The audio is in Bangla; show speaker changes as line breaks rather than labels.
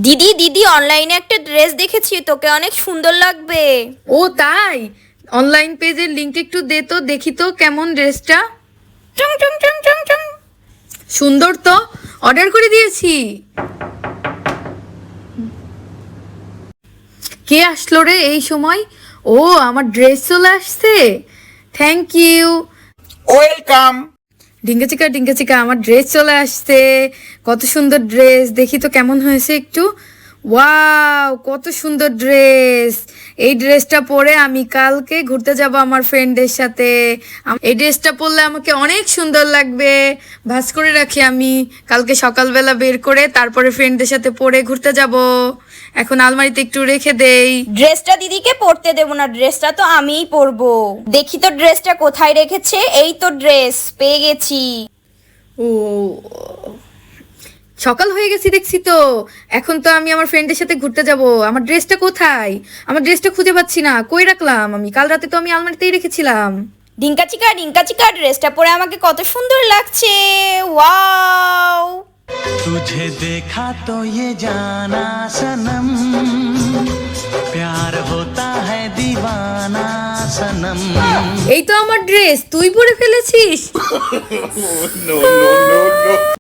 দিদি দিদি অনলাইনে একটা ড্রেস দেখেছি, তোকে অনেক সুন্দর লাগবে।
ও তাই? অনলাইন পেজের লিংক একটু দে তো, দেখি তো কেমন ড্রেসটা।
টুং টুং টুং টুং টুং।
সুন্দর তো, অর্ডার করে দিয়েছি। কে আসলো রে এই সময়? ও, আমার ড্রেস চলে আসছে। Thank you.
ওয়েলকাম।
ডিঙ্কা চিকা আমার ড্রেস চলে আসছে। কত সুন্দর ড্রেস, দেখি তো কেমন হয়েছে একটু। ওয়াও, কত সুন্দর ড্রেস। এই ড্রেসটা পরে আমি কালকে ঘুরতে যাব আমার ফ্রেন্ডের সাথে। এই ড্রেসটা পরলে আমাকে অনেক সুন্দর লাগবে। ভাঁজ করে রাখি আমি, কালকে সকালবেলা বের করে তারপরে ফ্রেন্ডদের সাথে পরে ঘুরতে যাব। এখন আলমারিতে একটু রেখে দেই।
ড্রেসটা দিদিকে পরতে দেবো না, ড্রেসটা তো আমিই পরবো। দেখি তো ড্রেসটা কোথায় রেখেছে। এই তো ড্রেস পেয়ে গেছি।
ও, সকাল হয়ে গেছি দেখছি তো। এখন তো আমি আমার ফ্রেন্ডের সাথে ঘুরতে যাব। আমার ড্রেসটা কোথায়? আমার ড্রেসটা খুঁজে পাচ্ছি না, কই রাখলাম আমি? কাল রাতে তো আমি আলমারিতেই রেখেছিলাম।
ডিঙ্কা চিকা ড্রেসটা পরে আমাকে কত সুন্দর লাগছে। ওয়াও।
तुझे देखा तो ये जाना सनम, प्यार होता है दीवाना सनम।
এই তো আমার ড্রেস, তুই পরে ফেলেছিস।
No no no no